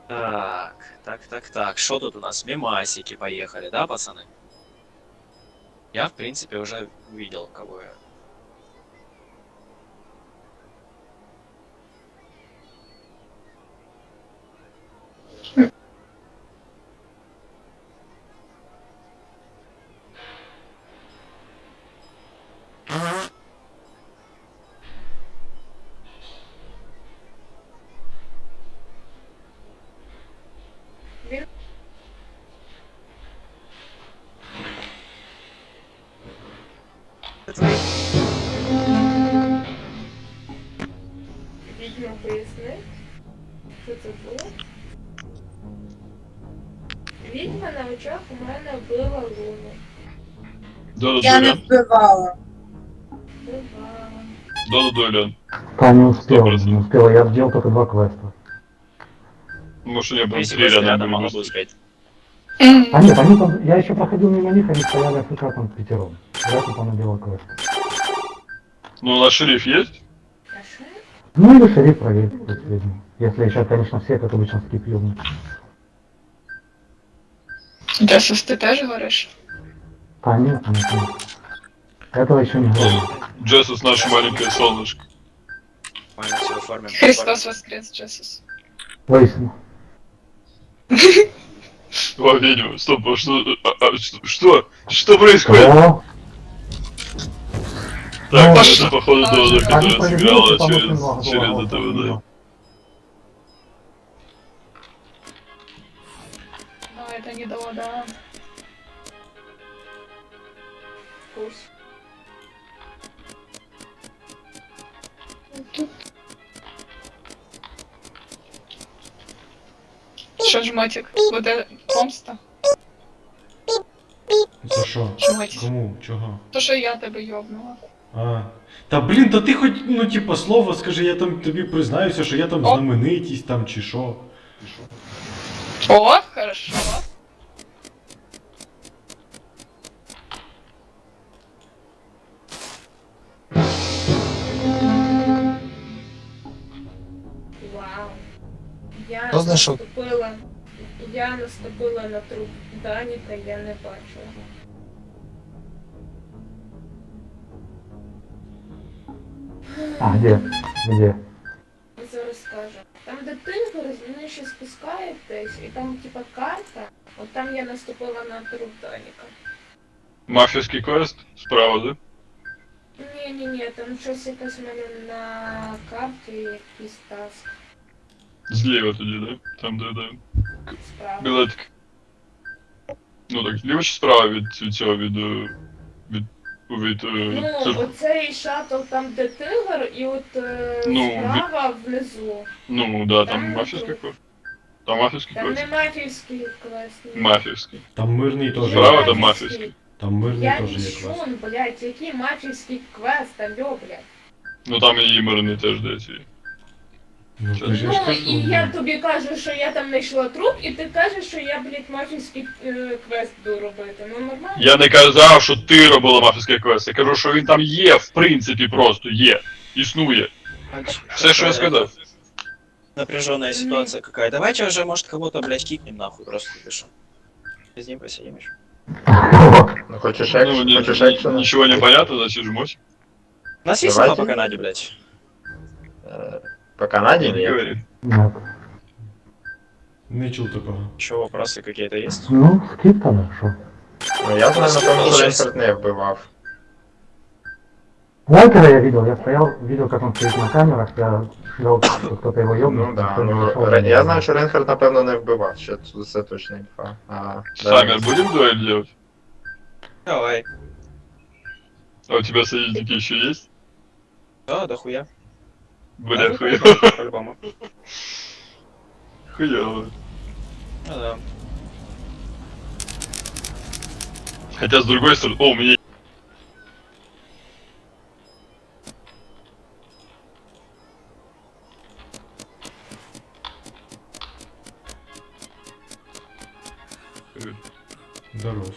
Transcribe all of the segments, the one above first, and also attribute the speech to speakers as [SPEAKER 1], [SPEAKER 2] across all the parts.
[SPEAKER 1] Так. Что тут у нас? Мемасики поехали, да, пацаны? Я, в принципе, уже увидел, кого я. Твои.
[SPEAKER 2] Відьма поясни, що це було. Відьма на очах у мене вбила Луну.
[SPEAKER 3] Я не
[SPEAKER 4] Да-да-да,
[SPEAKER 3] вбивала.
[SPEAKER 2] Вбивала.
[SPEAKER 4] да-да-да, Лен.
[SPEAKER 5] Да, не успел,
[SPEAKER 4] 100%.
[SPEAKER 5] не успел. Я сделал только 2 квеста.
[SPEAKER 4] Может, они
[SPEAKER 1] В
[SPEAKER 4] прям
[SPEAKER 1] принципе,
[SPEAKER 4] 3
[SPEAKER 1] если
[SPEAKER 4] рядом
[SPEAKER 1] рядом
[SPEAKER 4] были
[SPEAKER 1] могла бы
[SPEAKER 4] быстрее.
[SPEAKER 1] успеть.
[SPEAKER 5] А нет, они там, я еще проходил мимо них, они стояли АФК там пятером. Я тупо наделал квест.
[SPEAKER 4] Ну, у нас шериф есть?
[SPEAKER 2] А що?
[SPEAKER 5] Ну или шериф проверит последний. Если еще, конечно, все, как обычно, скип ёбнут.
[SPEAKER 3] Джесус, ти теж говориш?
[SPEAKER 5] А нет. Этого еще не говорил.
[SPEAKER 4] Джессус, наше маленькое солнышко.
[SPEAKER 1] Нормально все оформим.
[SPEAKER 3] Христос воскрес, Джесус.
[SPEAKER 5] Выяснил.
[SPEAKER 4] О, ведьма, стоп, а что, что происходит?
[SPEAKER 5] О,
[SPEAKER 4] Так,
[SPEAKER 5] ну,
[SPEAKER 4] это походу Доза,
[SPEAKER 5] они
[SPEAKER 4] которая
[SPEAKER 5] справедливости
[SPEAKER 4] сыграла
[SPEAKER 5] по
[SPEAKER 4] через это, да.
[SPEAKER 3] Ну, это не до, да.
[SPEAKER 2] Курс.
[SPEAKER 3] Що, жмотик? Буде помста?
[SPEAKER 6] За що?
[SPEAKER 3] Жмотик.
[SPEAKER 6] Кому? Чого?
[SPEAKER 3] То, що я тебе йобнула.
[SPEAKER 6] А. Та блін, та ти хоч, ну типа, слово скажи, я там тобі признаюся, що я там
[SPEAKER 3] О.
[SPEAKER 6] знаменитість там чи що.
[SPEAKER 3] О, хорошо.
[SPEAKER 2] Вау. Я
[SPEAKER 7] Хто знайшов?
[SPEAKER 2] наступила на труп Даніка, я не бачила.
[SPEAKER 5] а где? Где?
[SPEAKER 2] Зараз скажу. Там, де тигр, вони ще спускаєтесь, і там типа карта. От там я наступила на труп Даніка.
[SPEAKER 4] Мафиский квест справа, да?
[SPEAKER 2] Ні, там щось якесь у мене на карті, якийсь таск
[SPEAKER 4] Зліва тоді, да? Там, де
[SPEAKER 2] справа.
[SPEAKER 4] білетик. Ну так, зліва чи справа від цього, від
[SPEAKER 2] Ну, оцей шаттл там, де тигр, і от
[SPEAKER 4] Ну,
[SPEAKER 2] справа внизу.
[SPEAKER 4] ну, да, там
[SPEAKER 2] Там
[SPEAKER 4] мафиский
[SPEAKER 2] тут.
[SPEAKER 4] квест. Там мафиский
[SPEAKER 2] Там
[SPEAKER 4] квест.
[SPEAKER 2] не мафійський квест. ні.
[SPEAKER 4] Мафиский.
[SPEAKER 6] Там мирний теж.
[SPEAKER 4] Справа
[SPEAKER 6] є.
[SPEAKER 4] там мафиский.
[SPEAKER 6] Там мирний
[SPEAKER 2] Я
[SPEAKER 6] теж є
[SPEAKER 2] вішун,
[SPEAKER 6] квест.
[SPEAKER 2] блядь, який мафійський квест, алло, блядь.
[SPEAKER 4] Ну там і імерний теж десь є.
[SPEAKER 6] Ну,
[SPEAKER 4] Що?
[SPEAKER 6] то ж я
[SPEAKER 2] Ну,
[SPEAKER 6] ж кажу,
[SPEAKER 2] і я тобі кажу, що я там знайшла труп, і ти кажеш, що я, блядь, мафійський квест буду робити. Ну, нормально?
[SPEAKER 4] Я не казав, що ти робила мафіський квест. Я кажу, що він там є, в принципі, просто є. Існує. Все, что я сказал.
[SPEAKER 1] Напряженная ситуация какая. Давайте уже, может, кого-то, блядь, кикнем нахуй, просто пишу. С ним посидим еще.
[SPEAKER 7] Ну, хочешь
[SPEAKER 4] Ну,
[SPEAKER 7] экшен? Хочешь экшена?
[SPEAKER 4] ничего не понятно, значит жмось.
[SPEAKER 1] У нас есть
[SPEAKER 7] Давайте.
[SPEAKER 1] инфа по Канаде, блядь?
[SPEAKER 7] По Канаде
[SPEAKER 4] Не
[SPEAKER 7] нет.
[SPEAKER 4] говори.
[SPEAKER 5] Нет.
[SPEAKER 6] не чув такого.
[SPEAKER 1] Еще вопросы какие-то есть?
[SPEAKER 5] Ну, скип тогда, шо?
[SPEAKER 7] Ну, я знаю, напевно, що
[SPEAKER 1] Щас.
[SPEAKER 7] Рейнхард не вбивав.
[SPEAKER 5] Валкера я видел, я стоял, видел, как он стоит на камерах, я ждал, что кто-то его ёбнет.
[SPEAKER 7] Ну да,
[SPEAKER 5] никто не
[SPEAKER 7] ну
[SPEAKER 5] зашел.
[SPEAKER 7] я знаю, що Рейнхард, напевно, не вбивав. Ще це точно інфа.
[SPEAKER 4] Саммер, будем дуэль делать?
[SPEAKER 1] Давай.
[SPEAKER 4] А у тебя союзники еще есть?
[SPEAKER 1] Да, да хуя.
[SPEAKER 4] Бля,
[SPEAKER 1] Да,
[SPEAKER 4] хуёво.
[SPEAKER 1] По-любому.
[SPEAKER 4] Хуёво.
[SPEAKER 1] Ну да.
[SPEAKER 4] Хотя, с другой стороны... О, у меня...
[SPEAKER 6] Здоров.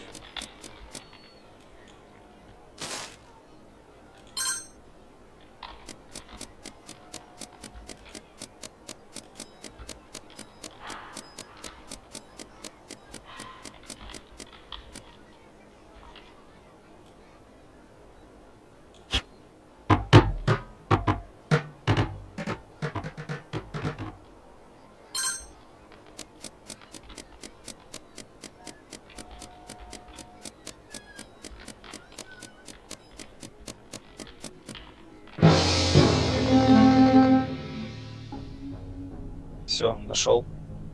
[SPEAKER 1] Все, нашел.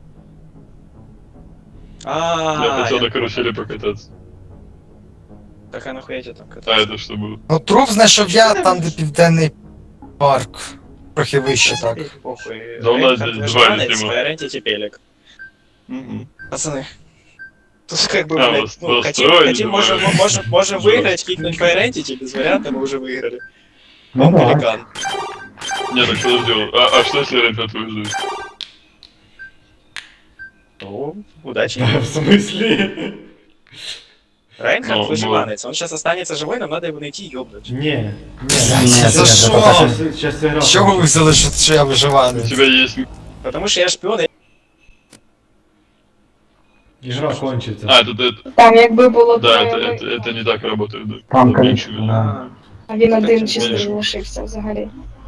[SPEAKER 4] Я хотел
[SPEAKER 1] Я-
[SPEAKER 4] на карусели покататься.
[SPEAKER 1] Так а нахуя тебе там
[SPEAKER 4] А
[SPEAKER 1] кататься?
[SPEAKER 4] это что было?
[SPEAKER 8] Ну, труп знайшов я там, де південний парк. Трохи вище так.
[SPEAKER 1] Похуй.
[SPEAKER 4] Да у нас
[SPEAKER 1] Рейнхард
[SPEAKER 4] здесь
[SPEAKER 1] выживанец,
[SPEAKER 4] два тема.
[SPEAKER 1] Файрентити пелик.
[SPEAKER 4] Угу.
[SPEAKER 1] Пацаны. Тут как бы,
[SPEAKER 4] А,
[SPEAKER 1] блядь, ну,
[SPEAKER 4] настроили,
[SPEAKER 1] хотим, можем выиграть, кикнуть Файрентити, без вариантов мы уже выиграли.
[SPEAKER 5] Ну
[SPEAKER 1] Он
[SPEAKER 5] да.
[SPEAKER 1] пеликан.
[SPEAKER 4] Не, так подожди, а что если Рейнхард выживет?
[SPEAKER 1] Ну, удачи.
[SPEAKER 6] В смысле?
[SPEAKER 1] Рейнхард
[SPEAKER 4] Ну,
[SPEAKER 1] выживанец, он сейчас останется живой, нам надо его найти и ёбнуть.
[SPEAKER 6] Не.
[SPEAKER 8] За що?
[SPEAKER 6] Сейчас игра.
[SPEAKER 8] З чого ви взяли, що я
[SPEAKER 4] У
[SPEAKER 8] виживаний?
[SPEAKER 4] тебя есть...
[SPEAKER 1] Потому что я шпион,
[SPEAKER 6] Игра кончится.
[SPEAKER 4] А, это
[SPEAKER 3] Там якби було
[SPEAKER 4] да,
[SPEAKER 3] троє,
[SPEAKER 4] это не так работает, да.
[SPEAKER 5] Там
[SPEAKER 4] Меньше.
[SPEAKER 5] количество, да.
[SPEAKER 3] а він один
[SPEAKER 1] Так,
[SPEAKER 3] чисто
[SPEAKER 4] конечно.
[SPEAKER 3] лишився взагалі.